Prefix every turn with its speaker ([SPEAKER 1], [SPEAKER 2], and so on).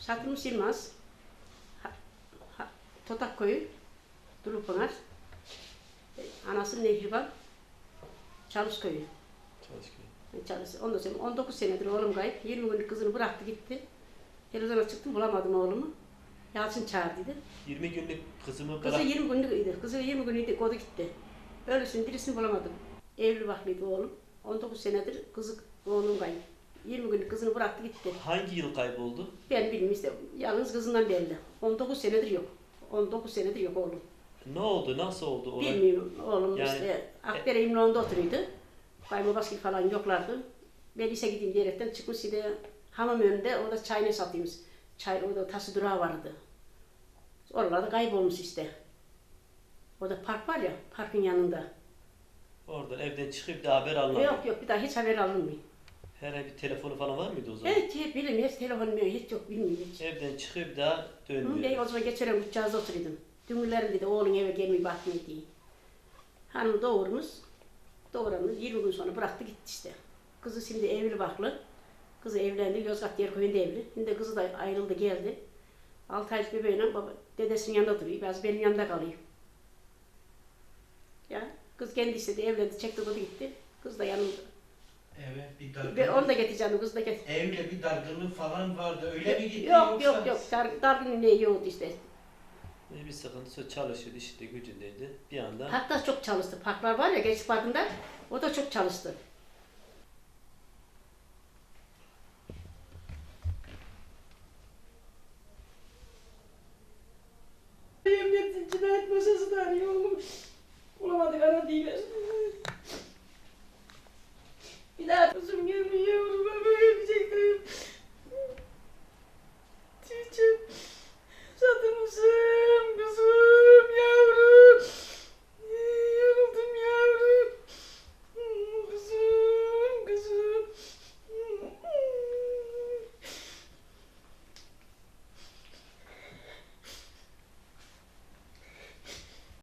[SPEAKER 1] Satılmış Yılmaz. Totak Köyü. Durupınar. Anası Nehriban. Çalış Köyü. Çalışıyor. Ondan sonra 19 senedir oğlum kayıp. 20 günlük kızını bıraktı gitti. Televizyona çıktım bulamadım oğlumu. Yalçın çağırdıydı.
[SPEAKER 2] 20 günlük kızımı
[SPEAKER 1] Kızı 20 günlüktü. Kızı 20 günlüktü. Kodu gitti. Öylesinin birisini bulamadım. Evli baklıydı oğlum. 19 senedir kızı oğlum kayıp. 20 günlük kızını bıraktı gitti.
[SPEAKER 2] Hangi yıl kayboldu?
[SPEAKER 1] Ben bilmiyorum işte. Yalnız kızından belli. 19 senedir yok. 19 senedir yok oğlum.
[SPEAKER 2] Ne oldu? Nasıl oldu olay?
[SPEAKER 1] Bilmiyorum. Oğlum
[SPEAKER 2] Yani-
[SPEAKER 1] işte Akdere İmran'da oturuyordu. Kaymabaskil falan yoklardı. Ben lise gideyim diyerekten çıkmış işte hamam önünde orada çay ne satıyormuş. Çay orada taşı durağı vardı. Oralarda kaybolmuş işte. Orada park var ya, parkın yanında.
[SPEAKER 2] Oradan evden çıkıp da haber almadı.
[SPEAKER 1] Yok bir daha hiç haber alınmıyor.
[SPEAKER 2] Herhangi bir telefonu falan var mıydı o zaman?
[SPEAKER 1] Evet bilmiyorum hiç telefonum yok hiç yok bilmiyorum hiç.
[SPEAKER 2] Evden çıkıp da
[SPEAKER 1] Ben
[SPEAKER 2] dönmüyor.
[SPEAKER 1] o zaman geçen uçacağızda oturuyordum. Dümürlerim dedi oğlun eve gelmeyi bakmıyor diye. Hanım doğurmuş. Doğuranı 20 gün sonra bıraktı gitti işte. Kızı şimdi evli baklı. Kızı evlendi. Yozgat Yerköy'ünde evli. Şimdi kızı da ayrıldı geldi. 6 aylık bebeğiyle baba dedesinin yanında duruyor. Biraz benim yanında kalıyor. Ya kız kendi istedi evlendi. Çekti kızı gitti. Kız da yanımda.
[SPEAKER 3] Evet, bir
[SPEAKER 1] Ve onu da
[SPEAKER 3] dargınlık.
[SPEAKER 1] getireceğim. Kız da getir.
[SPEAKER 3] Evle bir dargınlık falan vardı. Öyle mi gitti
[SPEAKER 1] Yok
[SPEAKER 3] yoksa?
[SPEAKER 1] yok. Dargın ne yoktu işte.
[SPEAKER 2] Bir sıkıntısı çalışıyordu işte gücündeydi. Bir anda
[SPEAKER 1] Hatta çok çalıştı. Parklar var ya Gençlik Parkı'nda. O da çok çalıştı. Emniyetin cinayet masasını arıyor oğlum. Bulamadık ana değiller. Bir daha kızım gelmiyor.